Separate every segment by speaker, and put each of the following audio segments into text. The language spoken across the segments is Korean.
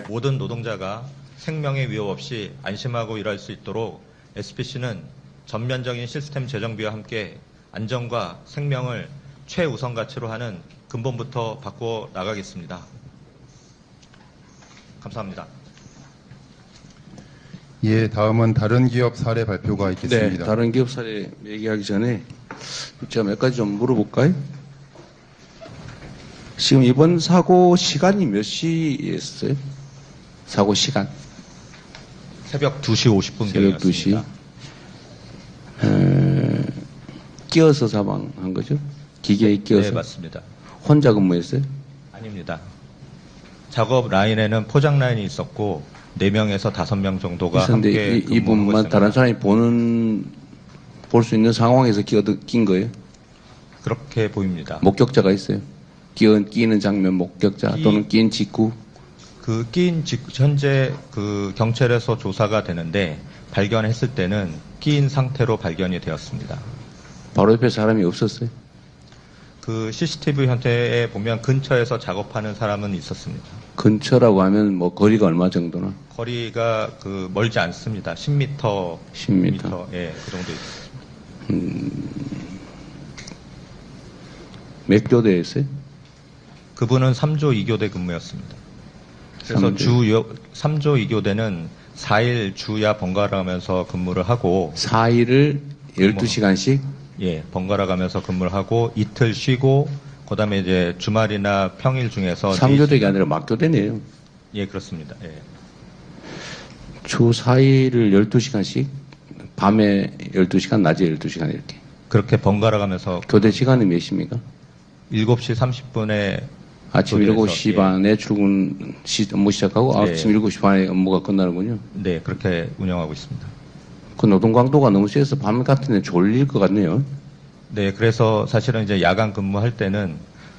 Speaker 1: 모든 노동자가 생명의 위협 없이 안심하고 일할 수 있도록 SPC는 전면적인 시스템 재정비와 함께 안전과 생명을 최우선 가치로 하는 근본부터 바꾸어 나가겠습니다. 감사합니다.
Speaker 2: 예, 다음은 다른 기업 사례 발표가
Speaker 3: 네,
Speaker 2: 있겠습니다.
Speaker 3: 다른 기업 사례 얘기하기 전에 제가 몇 가지 좀 물어볼까요? 지금 이번 사고 시간이 몇 시였어요? 사고 시간?
Speaker 1: 새벽 2시
Speaker 3: 새벽
Speaker 1: 50분경이었습니다.
Speaker 3: 2시. 끼어서 사망한 거죠? 기계에 끼어서?
Speaker 1: 네, 맞습니다.
Speaker 3: 혼자 근무했어요?
Speaker 1: 아닙니다. 작업 라인에는 포장 라인이 있었고 4명에서 5명 정도가 함께
Speaker 3: 있었는데 이
Speaker 1: 근무하고
Speaker 3: 부분만
Speaker 1: 있습니다.
Speaker 3: 다른 사람이 볼 수 있는 상황에서 낀 거예요?
Speaker 1: 그렇게 보입니다.
Speaker 3: 목격자가 있어요? 끼는 장면 목격자 또는 낀 직후?
Speaker 1: 현재 경찰에서 조사가 되는데 발견했을 때는 끼인 상태로 발견이 되었습니다.
Speaker 3: 바로 옆에 사람이 없었어요?
Speaker 1: CCTV 현태에 보면 근처에서 작업하는 사람은 있었습니다.
Speaker 3: 근처라고 하면 뭐 거리가 얼마 정도나?
Speaker 1: 거리가 멀지 않습니다. 10m.
Speaker 3: 10m.
Speaker 1: 예, 그 정도 있습니다.
Speaker 3: 몇 교대였어요?
Speaker 1: 그분은 3조 2교대 근무였습니다. 그래서 3조 2교대는 4일 주야 번갈아 가면서 근무를 하고
Speaker 3: 4일을 12시간씩?
Speaker 1: 예, 번갈아 가면서 근무를 하고 이틀 쉬고 그다음에 이제 주말이나 평일 중에서
Speaker 3: 3교대가 아니라 막교대네요.
Speaker 1: 예, 그렇습니다. 예.
Speaker 3: 주 4일을 12시간씩? 밤에 12시간, 낮에 12시간 이렇게.
Speaker 1: 그렇게 번갈아 가면서
Speaker 3: 교대 시간이 몇 시입니까?
Speaker 1: 7시 30분에
Speaker 3: 아침
Speaker 1: 교대에서,
Speaker 3: 7시
Speaker 1: 예.
Speaker 3: 반에 출근 업무 시작하고
Speaker 1: 네.
Speaker 3: 아침 7시 반에 업무가 끝나는군요.
Speaker 1: 네, 그렇게 운영하고 있습니다.
Speaker 3: 그 노동 강도가 너무 세서 밤 같은 데 졸릴 것 같네요.
Speaker 1: 네, 그래서 사실은 이제 야간 근무할 때는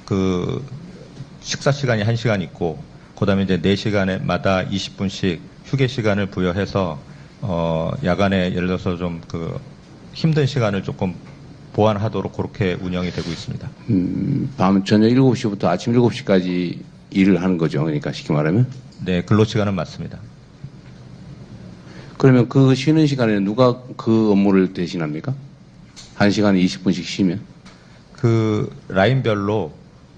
Speaker 1: 식사 시간이 1시간 있고, 그 다음에 이제 4시간마다 20분씩 휴게 시간을 부여해서, 야간에 예를 들어서 좀 힘든 시간을 조금 보완하도록 그렇게 운영이 되고 있습니다.
Speaker 3: 밤 저녁 7시부터 아침 7시까지 일을 하는 거죠. 그러니까 쉽게 말하면.
Speaker 1: 네, 근로시간은 맞습니다.
Speaker 3: 그러면 그 쉬는 시간에 누가 그 업무를 대신합니까? 1시간에 20분씩 쉬면?
Speaker 1: 라인별로,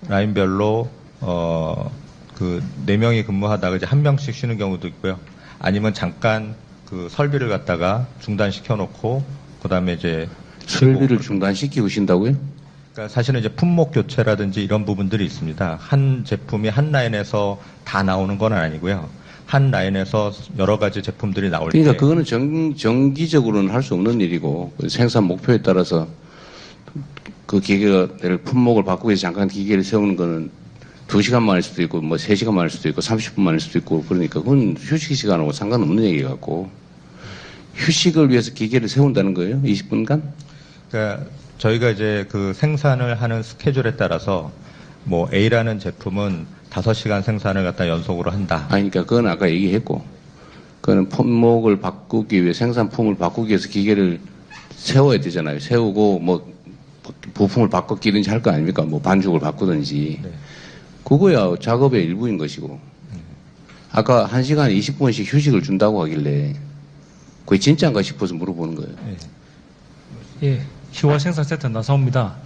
Speaker 1: 4명이 근무하다가 이제 1명씩 쉬는 경우도 있고요. 아니면 잠깐 설비를 갖다가 중단시켜 놓고, 그 다음에 이제
Speaker 3: 설비를 중단시키고 쉰다고요?
Speaker 1: 그러니까 사실은 이제 품목 교체라든지 이런 부분들이 있습니다. 한 제품이 한 라인에서 다 나오는 건 아니고요. 한 라인에서 여러 가지 제품들이 나올 때.
Speaker 3: 그러니까 그거는 정기적으로는 할 수 없는 일이고 생산 목표에 따라서 그 기계를 품목을 바꾸기 위해서 잠깐 기계를 세우는 거는 2시간만 할 수도 있고 뭐 3시간만 할 수도 있고 30분만 할 수도 있고 그러니까 그건 휴식 시간하고 상관없는 얘기 같고 휴식을 위해서 기계를 세운다는 거예요? 20분간?
Speaker 1: 그러니까 저희가 이제 생산을 하는 스케줄에 따라서 뭐 A라는 제품은 5시간 생산을 갖다 연속으로 한다.
Speaker 3: 아니, 그러니까 그건 아까 얘기했고, 그거는 품목을 바꾸기 위해, 생산품을 바꾸기 위해서 기계를 세워야 되잖아요. 세우고, 뭐, 부품을 바꿔 끼든지 할 거 아닙니까? 뭐, 반죽을 바꾸든지.
Speaker 1: 네.
Speaker 3: 그거야 작업의 일부인 것이고. 아까 1시간에 20분씩 휴식을 준다고 하길래, 그게 진짜인가 싶어서 물어보는 거예요.
Speaker 1: 네.
Speaker 4: 예, 희화 생산센터 나사옵니다.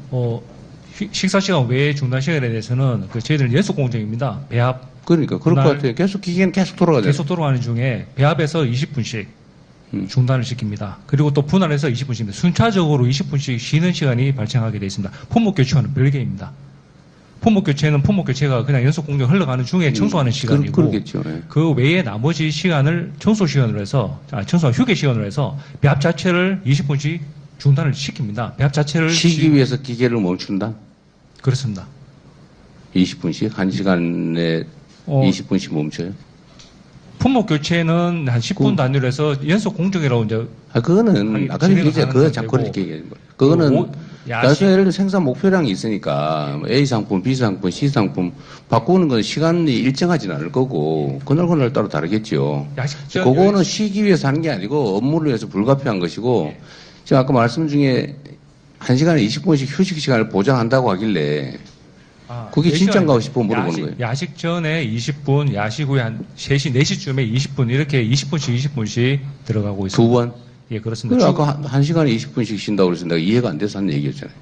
Speaker 4: 식사 시간 외에 중단 시간에 대해서는 저희들은 연속 공정입니다. 배합
Speaker 3: 그러니까, 그럴 것
Speaker 4: 그날
Speaker 3: 같아요. 계속 기계는 계속 돌아가잖아요.
Speaker 4: 계속 돌아가는 중에 배합에서 20분씩 중단을 시킵니다. 그리고 또 분할해서 20분씩입니다. 순차적으로 20분씩 쉬는 시간이 발생하게 되어 있습니다. 품목 교체와는 별개입니다. 품목 교체는 품목 교체가 그냥 연속 공정 흘러가는 중에 청소하는 시간이고
Speaker 3: 그러겠죠. 예.
Speaker 4: 그 외에 나머지 시간을 청소 시간으로 해서 청소 휴게 시간으로 해서 배합 자체를 20분씩 중단을 시킵니다. 배합 자체를
Speaker 3: 쉬기 위해서 기계를 멈춘다?
Speaker 4: 그렇습니다.
Speaker 3: 20분씩? 1시간에 20분씩 멈춰요?
Speaker 4: 품목 교체는 한 10분 단위로 해서 연속 공정이라고 이제
Speaker 3: 그거는 아까 얘기했잖아요. 그거 자꾸 그렇게 얘기하는 거예요. 그거는 나중에 예를 들어 생산 목표량이 있으니까 뭐 A 상품, B 상품, C 상품 바꾸는 건 시간이 일정하지는 않을 거고 그날 따라 다르겠죠. 그거는 쉬기 위해서 하는 게 아니고 업무를 위해서 불가피한 것이고 지금 아까 말씀 중에 1시간에 20분씩 휴식 시간을 보장한다고 하길래 그게
Speaker 4: 4시간인데
Speaker 3: 진짠가 싶어 물어보는 거예요.
Speaker 4: 야식 전에 20분, 야식 후에 한 3시, 4시쯤에 20분, 이렇게 20분씩 들어가고 있습니다.
Speaker 3: 두 번?
Speaker 4: 예, 그렇습니다.
Speaker 3: 그래, 아까 한 시간에 20분씩 쉰다고 그래서 내가 이해가 안 돼서 한 얘기였잖아요.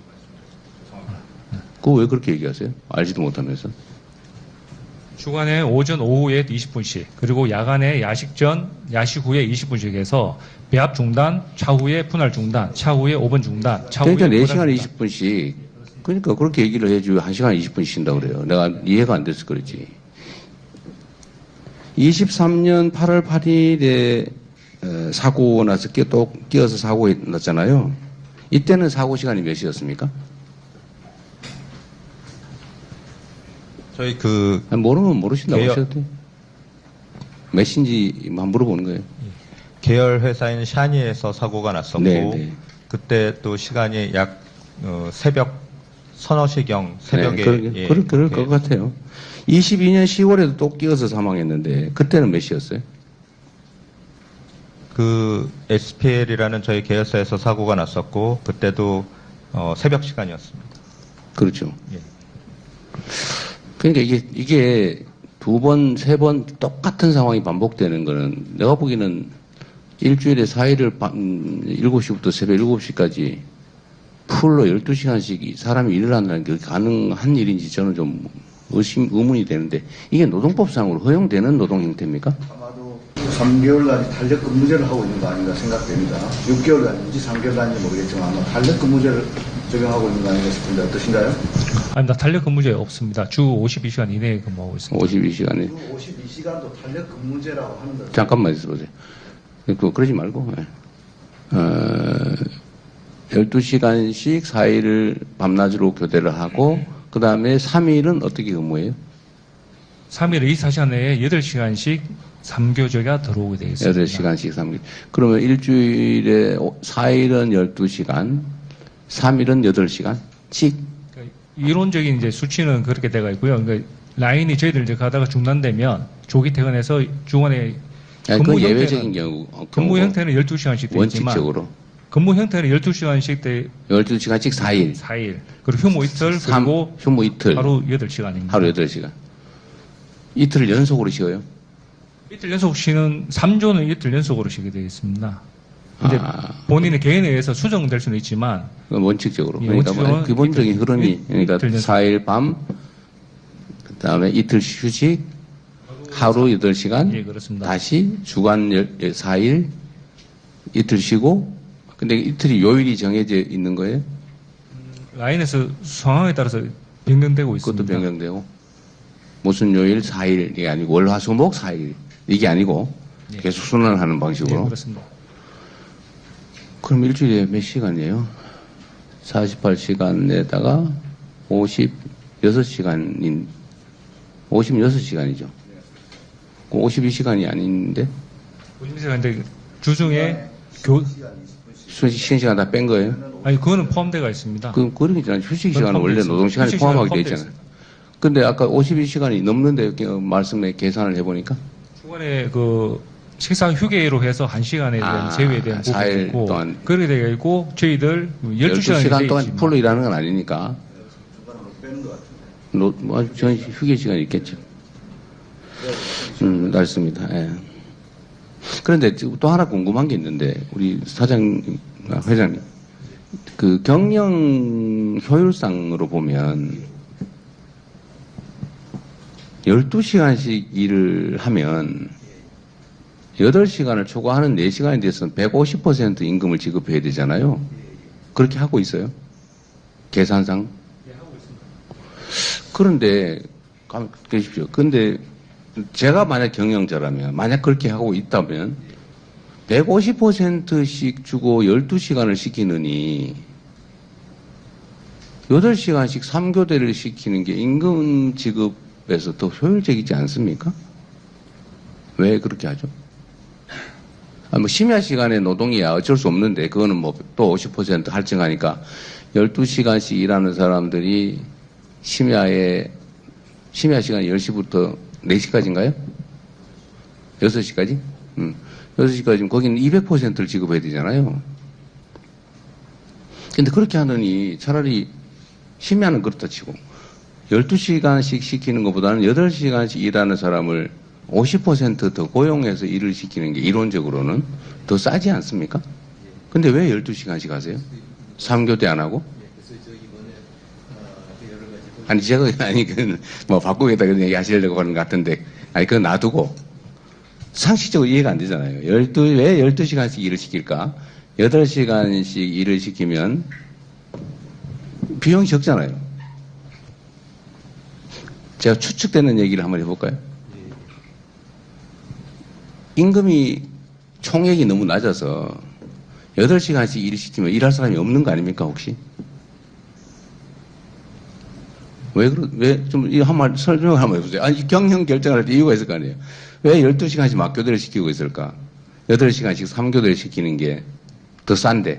Speaker 3: 그거 왜 그렇게 얘기하세요? 알지도 못하면서.
Speaker 4: 주간에 오전, 오후에 20분씩, 그리고 야간에 야식 전, 야식 후에 20분씩 해서 배합 중단, 차후에 분할 중단, 차후에 5분 중단, 차후에
Speaker 3: 그러니까
Speaker 4: 분할
Speaker 3: 4시간에
Speaker 4: 중단.
Speaker 3: 20분씩. 그러니까 그렇게 얘기를 해줘야 1시간에 20분씩 쉰다고 그래요. 내가 이해가 안 돼서 그렇지. 23년 8월 8일에 사고 나서 또 끼어서 사고 났잖아요. 이때는 사고 시간이 몇 시였습니까?
Speaker 1: 저희
Speaker 3: 모르면 모르신다고
Speaker 1: 개혁-
Speaker 3: 하셔도 돼요. 몇 시인지만 물어보는 거예요.
Speaker 1: 계열 회사인 샤니에서 사고가 났었고
Speaker 3: 네.
Speaker 1: 그때 또 시간이 약 새벽 서너 시경 새벽에 예,
Speaker 3: 그럴
Speaker 1: 그렇게
Speaker 3: 것 같아요. 22년 10월에도 또 끼어서 사망했는데 그때는 몇 시였어요?
Speaker 1: 그 SPL이라는 저희 계열사에서 사고가 났었고 그때도 새벽 시간이었습니다.
Speaker 3: 그렇죠.
Speaker 1: 예.
Speaker 3: 그러니까 이게 두 번, 세 번 똑같은 상황이 반복되는 거는 내가 보기에는 일주일에 4일을 7시부터 새벽 7시까지 풀로 12시간씩 사람이 일을 한다는 게 가능한 일인지 저는 좀 의문이 되는데 이게 노동법상으로 허용되는 노동 형태입니까?
Speaker 5: 아마도 3개월간 탄력 근무제를 하고 있는 거 아닌가 생각됩니다. 6개월간인지 3개월간인지 모르겠지만 아마 탄력 근무제를 적용하고 있는 거 아닌가 싶은데 어떠신가요?
Speaker 4: 아닙니다. 탄력 근무제 없습니다. 주 52시간 이내에 근무하고 있습니다.
Speaker 3: 52시간에.
Speaker 5: 52시간도 탄력 근무제라고 하는 거.
Speaker 3: 잠깐만 있어보세요. 그러지 말고. 12시간씩 4일을 밤낮으로 교대를 하고 그 다음에 3일은 어떻게 근무해요?
Speaker 4: 3일 24시간 내에 8시간씩 3교제가 들어오게 되어 있습니다.
Speaker 3: 8시간씩 3일. 그러면 일주일에 4일은 12시간, 3일은 8시간씩.
Speaker 4: 그러니까 이론적인 이제 수치는 그렇게 돼가 있고요. 그러니까 라인이 저희들 이제 가다가 중단되면 조기 퇴근해서 주간에
Speaker 3: 그 예외적인 경우.
Speaker 4: 근무 형태는 12시간씩 되어 있지만
Speaker 3: 원칙적으로.
Speaker 4: 근무 형태는 12시간씩 돼
Speaker 3: 12시간씩 4일.
Speaker 4: 4일. 그리고 휴무 이틀 그리고
Speaker 3: 휴무 이틀.
Speaker 4: 하루 8시간입니다.
Speaker 3: 하루 8시간. 이틀을 연속으로 쉬어요?
Speaker 4: 이틀 연속 쉬는 3조는 이틀 연속으로 쉬게 되어 있습니다. 근데 본인의 개인에 의해서 수정될 수는 있지만
Speaker 3: 그건 원칙적으로.
Speaker 4: 예,
Speaker 3: 그러니까
Speaker 4: 원칙적으로는
Speaker 3: 기본적인
Speaker 4: 이틀,
Speaker 3: 흐름이 그러니까
Speaker 4: 이틀 연속.
Speaker 3: 4일 밤, 그다음에 이틀 휴식, 하루 8시간,
Speaker 4: 예, 그렇습니다.
Speaker 3: 다시 주간 4일 이틀 쉬고, 근데 이틀이 요일이 정해져 있는 거예요?
Speaker 4: 라인에서 상황에 따라서 변경되고 있습니다.
Speaker 3: 그것도 변경되고. 무슨 요일 4일, 이게 아니고 월, 화, 수, 목 4일. 이게 아니고
Speaker 4: 예.
Speaker 3: 계속 순환하는
Speaker 4: 예,
Speaker 3: 방식으로.
Speaker 4: 그렇습니다.
Speaker 3: 그럼 일주일에 몇 시간이에요? 48시간에다가 56시간인, 56시간이죠. 52시간이 아닌데?
Speaker 4: 50시간인데 주중에
Speaker 3: 쉬는 시간 다 뺀 거예요?
Speaker 4: 아니 그거는 포함되어 있습니다.
Speaker 3: 그런 게 있잖아요. 휴식 시간은
Speaker 4: 포함되어
Speaker 3: 원래
Speaker 4: 있습니다.
Speaker 3: 노동시간에
Speaker 4: 휴식 시간은
Speaker 3: 포함하게 돼
Speaker 4: 포함되어
Speaker 3: 있잖아요. 근데 아까 52시간이 넘는데 말씀에 계산을 해보니까
Speaker 4: 주간에 그 식사 휴게로 해서 1시간에 대한 제외에 대한 부분이
Speaker 3: 4일
Speaker 4: 있고
Speaker 3: 동안
Speaker 4: 그렇게 되어 있고 저희들
Speaker 3: 12시간 동안
Speaker 4: 있지만
Speaker 3: 풀로 일하는 건 아니니까 전 휴게 시간이 있겠죠. 맞습니다. 예. 그런데 또 하나 궁금한 게 있는데 우리 사장님, 회장님, 그 경영 효율상으로 보면 12시간씩 일을 하면 8시간을 초과하는 4시간에 대해서는 150% 임금을 지급해야 되잖아요. 그렇게 하고 있어요? 계산상? 그런데, 계십시오. 근데 제가 만약 경영자라면, 만약 그렇게 하고 있다면 150%씩 주고 12시간을 시키느니 8시간씩 3교대를 시키는 게 임금 지급에서 더 효율적이지 않습니까? 왜 그렇게 하죠? 뭐 심야 시간에 노동이야 어쩔 수 없는데 그거는 뭐 또 50% 할증하니까 12시간씩 일하는 사람들이 심야 시간이 10시부터 4시까지인가요? 6시까지? 6시까지면 거기는 200%를 지급해야 되잖아요. 근데 그렇게 하느니 차라리 심야는 그렇다 치고 12시간씩 시키는 것보다는 8시간씩 일하는 사람을 50% 더 고용해서 일을 시키는 게 이론적으로는 더 싸지 않습니까? 근데 왜 12시간씩 하세요? 3교대 안 하고? 아니, 제가, 아니, 뭐, 바꾸겠다 그런 얘기 하시려고 하는 것 같은데, 아니, 그건 놔두고, 상식적으로 이해가 안 되잖아요. 왜 12시간씩 일을 시킬까? 8시간씩 일을 시키면, 비용이 적잖아요. 제가 추측되는 얘기를 한번 해볼까요? 임금이 총액이 너무 낮아서 8시간씩 일을 시키면 일할 사람이 없는 거 아닙니까, 혹시? 한번 설명을 한번 해보세요. 아니, 경영 결정할 때 이유가 있을 거 아니에요. 왜 12시간씩 막교대를 시키고 있을까? 8시간씩 3교대를 시키는 게 더 싼데.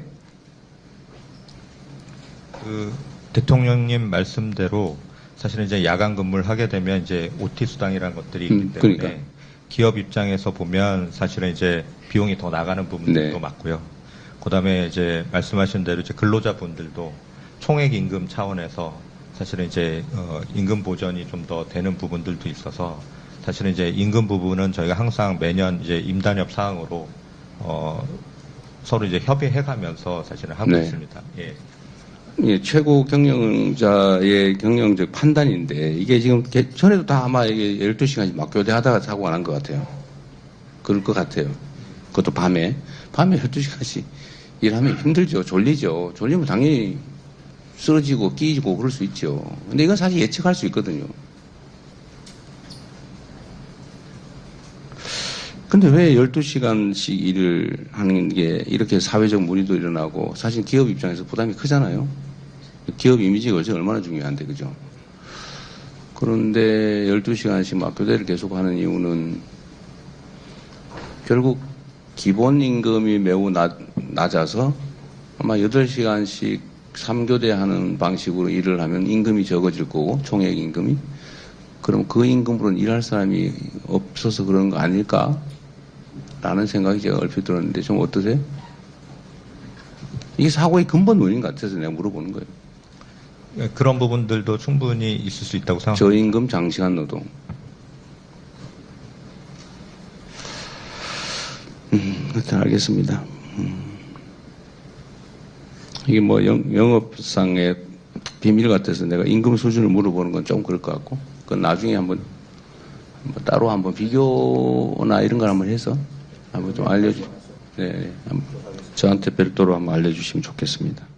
Speaker 1: 그 대통령님 말씀대로 사실은 이제 야간 근무를 하게 되면 이제 OT 수당이라는 것들이 있기 때문에
Speaker 3: 그러니까.
Speaker 1: 기업 입장에서 보면 사실은 이제 비용이 더 나가는 부분들도
Speaker 3: 네.
Speaker 1: 많고요. 그다음에 이제 말씀하신 대로 이제 근로자분들도 총액 임금 차원에서 사실은 이제 임금 보전이 좀 더 되는 부분들도 있어서 사실은 이제 임금 부분은 저희가 항상 매년 이제 임단협 사항으로 서로 이제 협의해가면서 사실은 하고
Speaker 3: 네.
Speaker 1: 있습니다. 예.
Speaker 3: 예, 최고 경영자의 경영적 판단인데, 이게 지금 전에도 다 아마 이게 12시간씩 막교대 하다가 사고가 난 것 같아요. 그럴 것 같아요. 그것도 밤에 12시간씩 일하면 힘들죠. 졸리죠. 졸리면 당연히 쓰러지고 끼지고 그럴 수 있죠. 근데 이건 사실 예측할 수 있거든요. 근데 왜 12시간씩 일을 하는 게 이렇게 사회적 물의도 일어나고 사실 기업 입장에서 부담이 크잖아요. 기업 이미지가 요새 얼마나 중요한데, 그죠? 그런데 12시간씩 막교대를 계속 하는 이유는 결국 기본 임금이 매우 낮아서 아마 8시간씩 3교대 하는 방식으로 일을 하면 임금이 적어질 거고, 총액 임금이. 그럼 그 임금으로는 일할 사람이 없어서 그런 거 아닐까? 라는 생각이 제가 얼핏 들었는데 좀 어떠세요? 이게 사고의 근본 원인 같아서 내가 물어보는 거예요.
Speaker 1: 예, 그런 부분들도 충분히 있을 수 있다고 생각합니다.
Speaker 3: 저임금 장시간 노동. 하여튼 알겠습니다. 이게 뭐 영업상의 비밀 같아서 내가 임금 수준을 물어보는 건 좀 그럴 것 같고, 그건 나중에 한번 따로 한번 비교나 이런 걸 한번 해서 한번 좀 네, 저한테 별도로 한번 알려주시면 좋겠습니다.